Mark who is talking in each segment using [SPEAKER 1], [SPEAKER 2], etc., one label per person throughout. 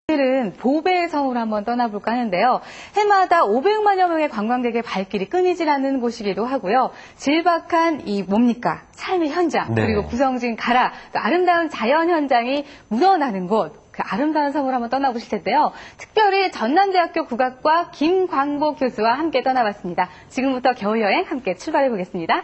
[SPEAKER 1] 오늘은 보배의 성으로 한번 떠나볼까 하는데요. 해마다 500만여 명의 관광객의 발길이 끊이질 않는 곳이기도 하고요. 질박한 이 뭡니까? 삶의 현장,
[SPEAKER 2] 네.
[SPEAKER 1] 그리고 구성진 가라, 또 아름다운 자연 현장이 묻어나는 곳, 그 아름다운 성으로 한번 떠나보실 텐데요. 특별히 전남대학교 국악과 김광복 교수와 함께 떠나봤습니다. 지금부터 겨울여행 함께 출발해 보겠습니다.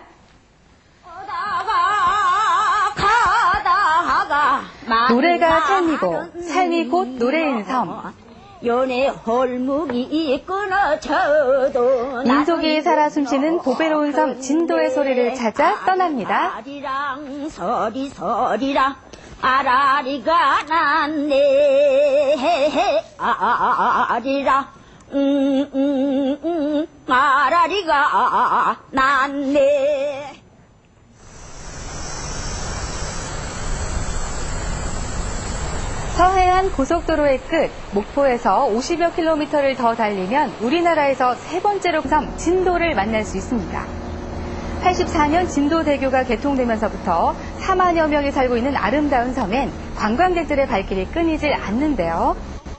[SPEAKER 1] 노래가 삶이고 삶이 곧 노래인 섬.
[SPEAKER 3] 연애 헐묵이 끊어져도
[SPEAKER 1] 민속이 살아 숨쉬는 보배로운 섬 진도의 소리를 찾아 떠납니다.
[SPEAKER 3] 아리랑 서리서리랑 아라리가 났네 아리랑 아라리가 났네.
[SPEAKER 1] 서해안 고속도로의 끝, 목포에서 50여 킬로미터를 더 달리면 우리나라에서 세 번째로 섬 진도를 만날 수 있습니다. 84년 진도대교가 개통되면서부터 4만여 명이 살고 있는 아름다운 섬엔 관광객들의 발길이 끊이질 않는데요.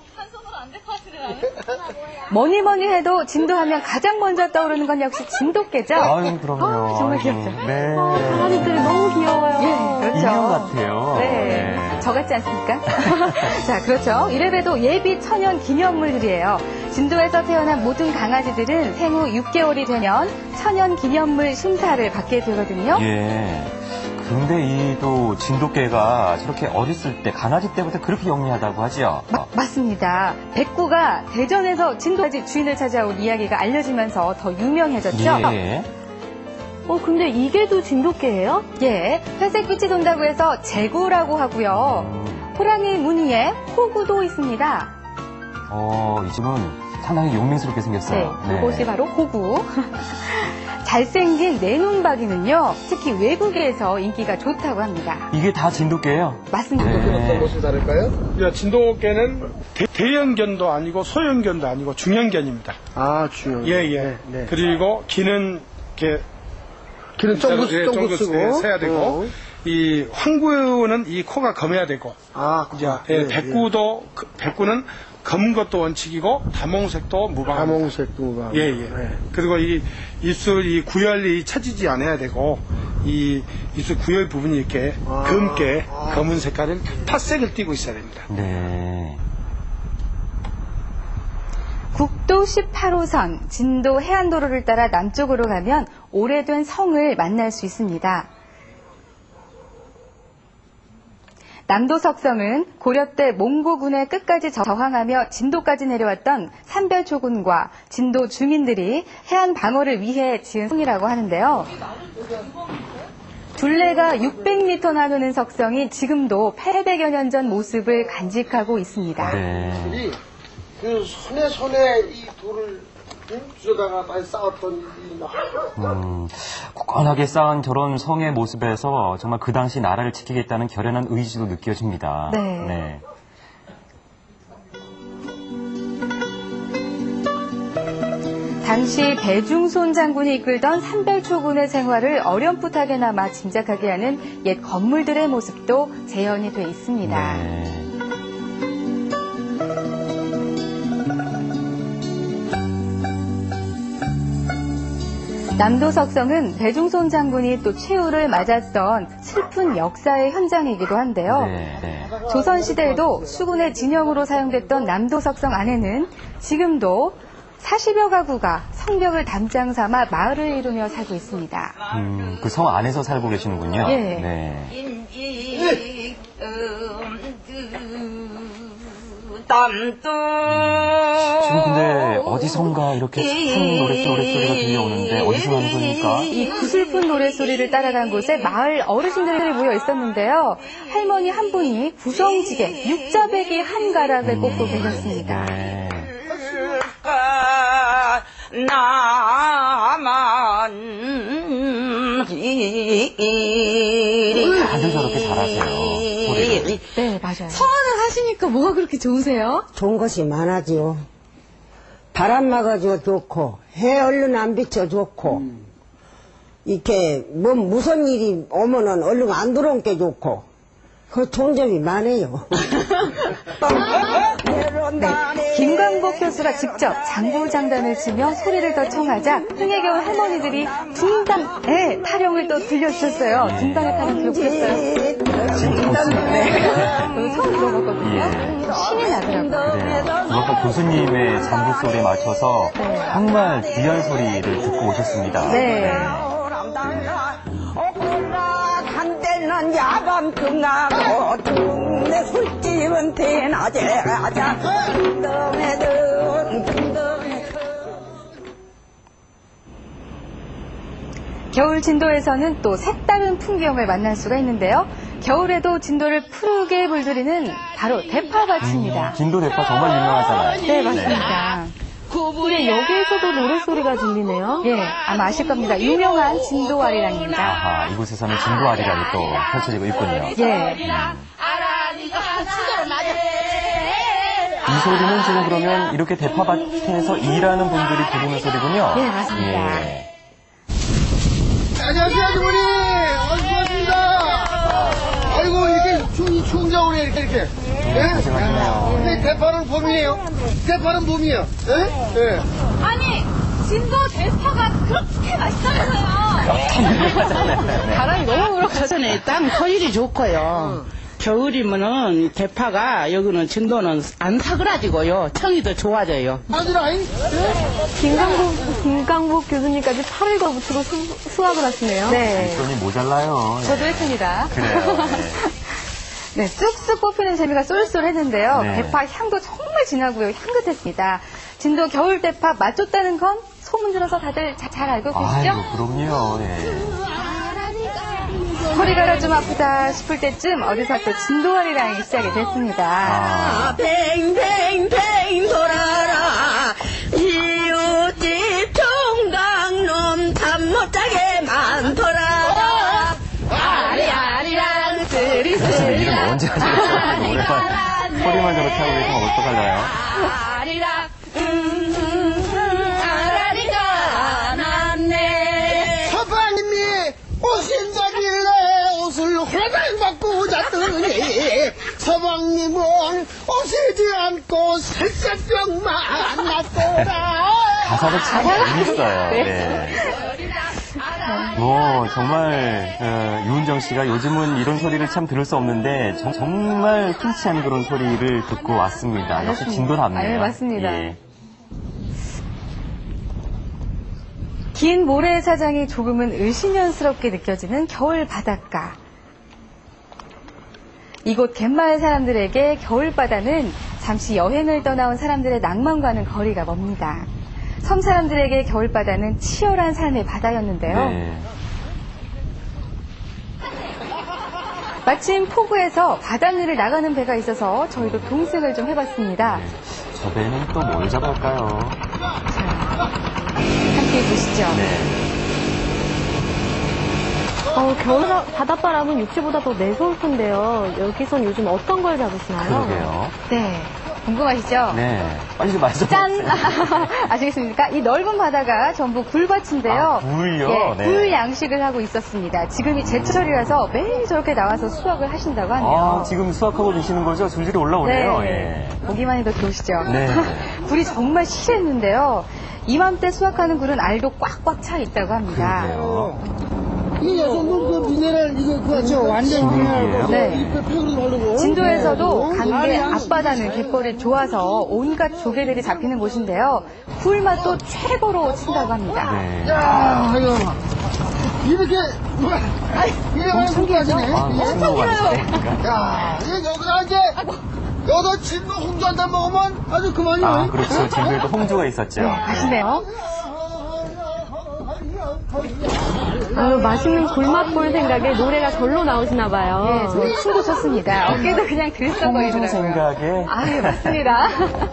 [SPEAKER 1] 뭐니 뭐니 해도 진도하면 가장 먼저 떠오르는 건 역시 진돗개죠?
[SPEAKER 2] 아유, 그럼요.
[SPEAKER 1] 정말 귀엽죠?
[SPEAKER 2] 네.
[SPEAKER 1] 강아지들이 너무 귀여워요. 예, 그렇죠.
[SPEAKER 2] 인형 같아요.
[SPEAKER 1] 네.
[SPEAKER 2] 네.
[SPEAKER 1] 저 같지 않습니까? 자, 그렇죠. 이래봬도 예비 천연 기념물들이에요. 진도에서 태어난 모든 강아지들은 생후 6개월이 되면 천연 기념물 심사를 받게 되거든요.
[SPEAKER 2] 예. 근데 이 또 진돗개가 저렇게 어렸을 때, 강아지 때부터 그렇게 영리하다고 하죠?
[SPEAKER 1] 맞습니다. 백구가 대전에서 진도까지 주인을 찾아온 이야기가 알려지면서 더 유명해졌죠.
[SPEAKER 2] 예.
[SPEAKER 4] 근데 이게 또 진돗개예요?
[SPEAKER 1] 예, 회색빛이 돈다고 해서 제구라고 하고요. 호랑이 무늬에 호구도 있습니다.
[SPEAKER 2] 이 집은 상당히 용맹스럽게 생겼어요.
[SPEAKER 1] 네, 이것이 바로 호구. 잘생긴 내눈박이는요, 특히 외국에서 인기가 좋다고 합니다.
[SPEAKER 2] 이게 다 진돗개예요?
[SPEAKER 1] 맞습니다.
[SPEAKER 2] 네.
[SPEAKER 5] 어떤 것이 다를까요?
[SPEAKER 6] 진돗개는 대형견도 아니고 소형견도 아니고 중형견입니다.
[SPEAKER 5] 아, 중형.
[SPEAKER 6] 예.
[SPEAKER 5] 네.
[SPEAKER 6] 그리고 귀는 이렇게
[SPEAKER 5] 귀는 쫑긋 쓰고
[SPEAKER 6] 세야 되고, 이 황구는 이 코가 검해야 되고, 백구도 백구는 검은 것도 원칙이고 다몽색도 무방합니다.
[SPEAKER 5] 다몽색도 무방.
[SPEAKER 6] 예.
[SPEAKER 5] 네.
[SPEAKER 6] 그리고 이 입술 이 구열이 처지지 않아야 되고, 이 입술 구열 부분이 이렇게 검게 검은 색깔을 팥색을 띠고 있어야 됩니다.
[SPEAKER 2] 네.
[SPEAKER 1] 국도 18호선 진도 해안도로를 따라 남쪽으로 가면 오래된 성을 만날 수 있습니다. 남도석성은 고려 때 몽고군의 끝까지 저항하며 진도까지 내려왔던 산별초군과 진도 주민들이 해안 방어를 위해 지은 성이라고 하는데요. 둘레가 600m 나누는 석성이 지금도 800여 년 전 모습을 간직하고 있습니다.
[SPEAKER 2] 네.
[SPEAKER 5] 그 손에 이 돌을 주워다가 많이 쌓았던
[SPEAKER 2] 굳건하게 쌓은 저런 성의 모습에서 정말 그 당시 나라를 지키겠다는 결연한 의지도 느껴집니다.
[SPEAKER 1] 네. 당시 배중손 장군이 이끌던 산별초군의 생활을 어렴풋하게나마 짐작하게 하는 옛 건물들의 모습도 재현이 돼 있습니다.
[SPEAKER 2] 네.
[SPEAKER 1] 남도석성은 배중손 장군이 또 최후를 맞았던 슬픈 역사의 현장이기도 한데요.
[SPEAKER 2] 네.
[SPEAKER 1] 조선시대에도 수군의 진영으로 사용됐던 남도석성 안에는 지금도 40여 가구가 성벽을 담장 삼아 마을을 이루며 살고 있습니다.
[SPEAKER 2] 그 성 안에서 살고 계시는군요.
[SPEAKER 1] 예.
[SPEAKER 2] 네. 지금 근데 어디선가 이렇게 슬픈 노랫소리가 들려오는데 어디서 나는 소리입니까?
[SPEAKER 1] 이 구슬픈 노랫소리를 따라간 곳에 마을 어르신들이 모여 있었는데요. 할머니 한 분이 구성지게 육자배기 한 가락을 꽂고 계셨습니다.
[SPEAKER 2] 네. 다들 저렇게 잘하세요. 소리를.
[SPEAKER 1] 네, 맞아요.
[SPEAKER 4] 서원을 하시니까 뭐가 그렇게 좋으세요?
[SPEAKER 7] 좋은 것이 많아지요. 바람 막아줘 좋고, 해 얼른 안 비춰 좋고, 이렇게 뭐 무슨 일이 오면은 얼른 안 들어온 게 좋고, 그 좋은 점이 많아요.
[SPEAKER 1] 네, 김광복 교수가 직접 장구장단을 치며 소리를 더 청하자 흥에 겨운 할머니들이 둥당의 타령을 또 들려주셨어요. 둥당의 타령 기억했어요?
[SPEAKER 2] 지금 좋습니다.
[SPEAKER 1] 네. 처음 들어봤거든요. 신이 나더라고요.
[SPEAKER 2] 그래요. 아까 교수님의 장구 소리에 맞춰서 정말 귀한 소리를 듣고 오셨습니다.
[SPEAKER 1] 네.
[SPEAKER 7] 한때는 야밤 끝나고 동네 술집은 대낮에 가자
[SPEAKER 1] 겨울 진도에서는 또 색다른 풍경을 만날 수가 있는데요. 겨울에도 진도를 푸르게 물들이는 바로 대파밭입니다.
[SPEAKER 2] 진도 대파 정말 유명하잖아요.
[SPEAKER 1] 네, 맞습니다.
[SPEAKER 4] 근데 여기에서도 노래소리가 들리네요.
[SPEAKER 1] 예, 아마 아실 겁니다. 유명한 진도아리랑입니다.
[SPEAKER 2] 아하, 이곳에서는 진도 아리랑이 또 펼쳐지고 있군요.
[SPEAKER 1] 예.
[SPEAKER 2] 이 소리는 지금 그러면 이렇게 대파밭에서 일하는 분들이 부르는 소리군요.
[SPEAKER 1] 예, 맞습니다.
[SPEAKER 2] 예.
[SPEAKER 5] 안녕하세요, 아주머니. 고맙습니다. 아이고, 이렇게 추운 겨울에 이렇게. 예?
[SPEAKER 2] 고생하시네요.
[SPEAKER 5] 근데 대파는 봄이에요. 대파는 봄이에요. 예? 예.
[SPEAKER 4] 아니, 진도 대파가 그렇게 맛있다면서요.
[SPEAKER 1] 바람이 너무 불어가지고.
[SPEAKER 8] 전에 땅 토질이 좋고요. 겨울이면은 대파가 여기는 진도는 안 사그라지고요. 청이 더 좋아져요.
[SPEAKER 5] 아주라잉?
[SPEAKER 4] 김광복 교수님까지 8월 거부터 수확을 하시네요.
[SPEAKER 1] 네.
[SPEAKER 2] 손이 모자라요. 예.
[SPEAKER 1] 저도 했습니다.
[SPEAKER 2] 그래요.
[SPEAKER 1] 네, 쑥쑥 뽑히는 재미가 쏠쏠했는데요.
[SPEAKER 2] 네.
[SPEAKER 1] 대파 향도 정말 진하고요. 향긋했습니다. 진도 겨울 대파 맛 좋다는 건 소문 들어서 다들 잘 알고 계시죠?
[SPEAKER 2] 아이고, 그럼요. 예.
[SPEAKER 1] 허리가 좀 아프다 싶을 때쯤 어디서 또 진도아리랑이 시작이 됐습니다.
[SPEAKER 2] 아,
[SPEAKER 3] 뱅뱅뱅 돌아라 이웃집 총각놈 잠 못 자게 많더라 아리아리랑
[SPEAKER 2] 교수님
[SPEAKER 3] 쓰리쓰리
[SPEAKER 2] 이름 언제 하시겠어요? 노래만, 소리만 저렇게 하고 계시면 어떡하나요?
[SPEAKER 3] 아리랑 아라리가 났네
[SPEAKER 5] 서방님이 오신다길래 옷을 호강 받고 잤더니 서방님은 오시지 않고 살짝병만 났더라.
[SPEAKER 2] 가사도 참 재밌어요. 네. 정말 유은정 씨가 요즘은 이런 소리를 참 들을 수 없는데 정말 흔치 않은 그런 소리를 듣고 왔습니다. 역시 진도답네요.
[SPEAKER 1] 네, 맞습니다.
[SPEAKER 2] 예.
[SPEAKER 1] 긴 모래사장이 조금은 을씨년스럽게 느껴지는 겨울 바닷가. 이곳 갯마을 사람들에게 겨울바다는 잠시 여행을 떠나온 사람들의 낭만과는 거리가 멉니다. 섬 사람들에게 겨울바다는 치열한 삶의 바다였는데요.
[SPEAKER 2] 네.
[SPEAKER 1] 마침 포구에서 바닷일을 나가는 배가 있어서 저희도 동승을 좀 해봤습니다.
[SPEAKER 2] 저 배는 또 뭘 잡을까요?
[SPEAKER 1] 함께 보시죠.
[SPEAKER 2] 네.
[SPEAKER 4] 겨울 바닷바람은 육지보다 더 매서울 텐데요. 여기선 요즘 어떤 걸 잡으시나요?
[SPEAKER 2] 그러게요.
[SPEAKER 1] 네. 궁금하시죠?
[SPEAKER 2] 네. 빨리 좀 말씀.
[SPEAKER 1] 짠! 아시겠습니까? 이 넓은 바다가 전부 굴밭인데요.
[SPEAKER 2] 아, 굴요?
[SPEAKER 1] 예,
[SPEAKER 2] 네.
[SPEAKER 1] 굴 양식을 하고 있었습니다. 지금이 제철이라서 매일 저렇게 나와서 수확을 하신다고 하네요.
[SPEAKER 2] 아, 지금 수확하고 계시는 거죠? 줄줄이 올라오네요.
[SPEAKER 1] 네.
[SPEAKER 2] 예.
[SPEAKER 1] 보기만 해도 좋으시죠?
[SPEAKER 2] 네.
[SPEAKER 1] 굴이 정말 실했는데요. 이맘때 수확하는 굴은 알도 꽉꽉 차 있다고 합니다.
[SPEAKER 2] 그러게요.
[SPEAKER 5] 이 여성분 그 미네랄 이거 그거 완전
[SPEAKER 2] 미네랄.
[SPEAKER 1] 네.
[SPEAKER 5] 바르고
[SPEAKER 1] 진도에서도 강계 앞바다는 갯벌이 좋아서 온갖 조개들이 잡히는 곳인데요. 굴 맛도 최고로 친다고 합니다.
[SPEAKER 2] 네.
[SPEAKER 5] 야, 아이고. 이렇게 이래만 손가지네.
[SPEAKER 2] 아, 무슨 거 같으십니까?
[SPEAKER 5] 야, 여기다 이제 여기다 진도 홍주 한 잔 먹으면 아주 그만이네.
[SPEAKER 2] 아, 그렇죠. 진도에도 홍주가 있었죠.
[SPEAKER 1] 아시네요?
[SPEAKER 4] 맛있는 굴맛 볼 생각에 노래가 절로 나오시나 봐요.
[SPEAKER 1] 네, 저희 춤도 췄습니다. 어깨도 그냥
[SPEAKER 2] 홍주
[SPEAKER 1] 들썩거리더라고요.
[SPEAKER 2] 생각에.
[SPEAKER 1] 아, 예, 맞습니다.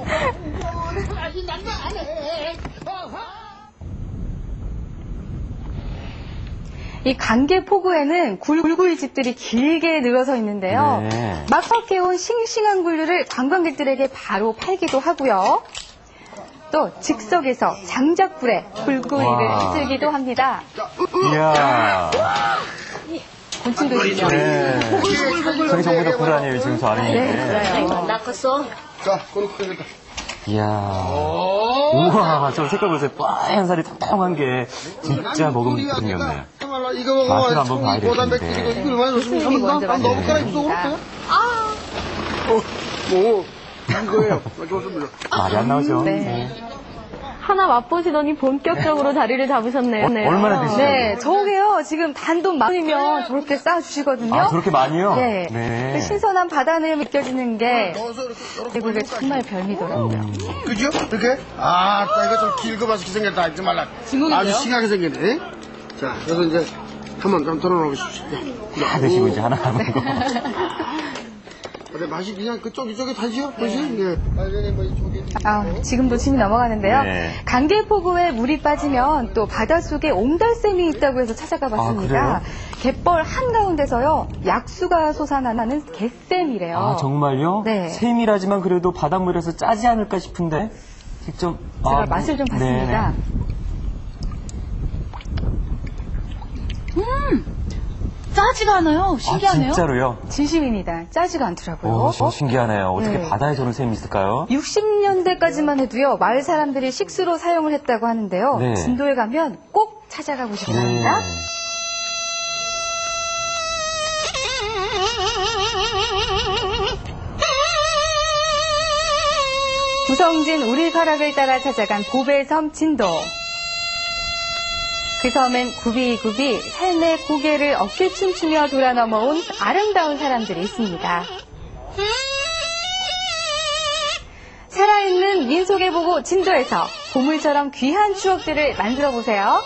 [SPEAKER 1] 이 강계 포구에는 굴구이 집들이 길게 늘어서 있는데요.
[SPEAKER 2] 네.
[SPEAKER 1] 막 섞여온 싱싱한 굴류를 관광객들에게 바로 팔기도 하고요. 또 즉석에서 장작불에 굴구이를
[SPEAKER 2] 와.
[SPEAKER 1] 휘슬기도 합니다.
[SPEAKER 2] 이야.
[SPEAKER 1] 곤충도시죠.
[SPEAKER 2] 네. 저기 전부 다 굴 아니에요, 지금 저 아래 있는 게.
[SPEAKER 1] 네, 맞아요.
[SPEAKER 3] 낚았어
[SPEAKER 5] 자, 그럼 되겠다.
[SPEAKER 2] 이야. 우와, 저 색깔 보세요. 뽀얀 살이 통통한 게 진짜 먹으면 기분이 없네요.
[SPEAKER 5] 이거 먹으면
[SPEAKER 2] 맛을 한번 봐야
[SPEAKER 5] 고단
[SPEAKER 2] 되겠는데.
[SPEAKER 5] 백숙이도 이거 얼마나 좋습니까? 한번 넣어볼까라 입속 그렇게? 이거예요. 좋습니다.
[SPEAKER 2] 말이 안 나오죠.
[SPEAKER 1] 네.
[SPEAKER 4] 하나 맛보시더니 본격적으로 자리를 잡으셨네요. 네.
[SPEAKER 2] 얼마나 드시나요?
[SPEAKER 1] 네, 저게요. 지금 단돈 10,000원이면 저렇게 쌓아주시거든요.
[SPEAKER 2] 아, 저렇게 많이요?
[SPEAKER 1] 네.
[SPEAKER 2] 네.
[SPEAKER 1] 그 신선한 바다는 느껴지는 게
[SPEAKER 5] 넣어서 이렇게
[SPEAKER 1] 대구가 정말 별미더라고요.
[SPEAKER 5] 그죠? 이렇게? 아, 이거 좀 길고 맛있게 생겼다. 잊지 말라. 아주 싱하게 생겼네. 자, 그래서 이제 한번 덜어놓으십시오.
[SPEAKER 2] 다 드시고 이제 하나 남은 거.
[SPEAKER 5] 근데 맛이 그냥 그쪽 이쪽에 다지요? 그지? 예. 빨간이 뭐 이쪽에.
[SPEAKER 1] 지금도 침이 넘어가는데요.
[SPEAKER 2] 네.
[SPEAKER 1] 강계포구에 물이 빠지면 또 바닷속에 옹달샘이 있다고 해서 찾아가 봤습니다.
[SPEAKER 2] 아,
[SPEAKER 1] 갯벌 한가운데서요. 약수가 솟아나는 갯샘이래요.
[SPEAKER 2] 아, 정말요?
[SPEAKER 1] 네.
[SPEAKER 2] 샘이라지만 그래도 바닷물에서 짜지 않을까 싶은데. 직접.
[SPEAKER 1] 제가 맛을 좀 봤습니다. 짜지가 않아요. 신기하네요.
[SPEAKER 2] 아, 진짜로요?
[SPEAKER 1] 진심입니다. 짜지가 않더라고요.
[SPEAKER 2] 신기하네요. 어떻게
[SPEAKER 1] 네.
[SPEAKER 2] 바다에 저런 샘이 있을까요?
[SPEAKER 1] 60년대까지만 해도요. 마을 사람들이 식수로 사용을 했다고 하는데요.
[SPEAKER 2] 네.
[SPEAKER 1] 진도에 가면 꼭 찾아가 보시기 바랍니다. 구성진 우리가락을 따라 찾아간 보배섬 진도. 그 섬엔 굽이굽이 삶의 고개를 어깨춤추며 돌아 넘어온 아름다운 사람들이 있습니다. 살아있는 민속의 보고 진도에서 보물처럼 귀한 추억들을 만들어 보세요.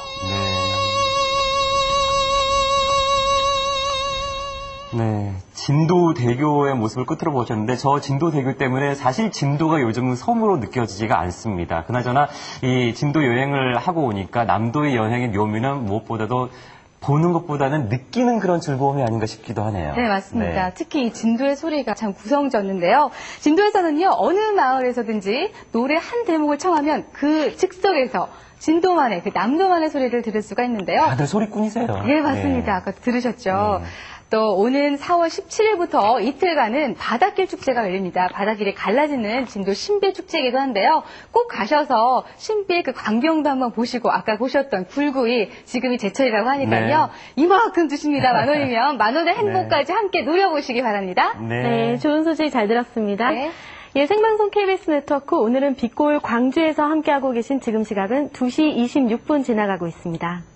[SPEAKER 2] 네. 진도대교의 모습을 끝으로 보셨는데 저 진도대교 때문에 사실 진도가 요즘은 섬으로 느껴지지가 않습니다. 그나저나 이 진도 여행을 하고 오니까 남도의 여행의 묘미는 무엇보다도 보는 것보다는 느끼는 그런 즐거움이 아닌가 싶기도 하네요.
[SPEAKER 1] 네, 맞습니다.
[SPEAKER 2] 네.
[SPEAKER 1] 특히 이 진도의 소리가 참 구성졌는데요. 진도에서는요, 어느 마을에서든지 노래 한 대목을 청하면 그 즉석에서 진도만의, 그 남도만의 소리를 들을 수가 있는데요.
[SPEAKER 2] 다들 소리꾼이세요.
[SPEAKER 1] 네, 맞습니다.
[SPEAKER 2] 네.
[SPEAKER 1] 아까 들으셨죠? 또 오는 4월 17일부터 이틀간은 바닷길 축제가 열립니다. 바닷길이 갈라지는 진도 신비축제이기도 한데요. 꼭 가셔서 신비의 그 광경도 한번 보시고 아까 보셨던 굴구이 지금이 제철이라고 하니까요. 이만큼 주십니다. 10,000원이면 10,000원의 행복까지 함께 누려보시기 바랍니다.
[SPEAKER 4] 네, 좋은 소식 잘 들었습니다.
[SPEAKER 1] 네.
[SPEAKER 4] 예, 생방송 KBS 네트워크 오늘은 빛골 광주에서 함께하고 계신 지금 시각은 2시 26분 지나가고 있습니다.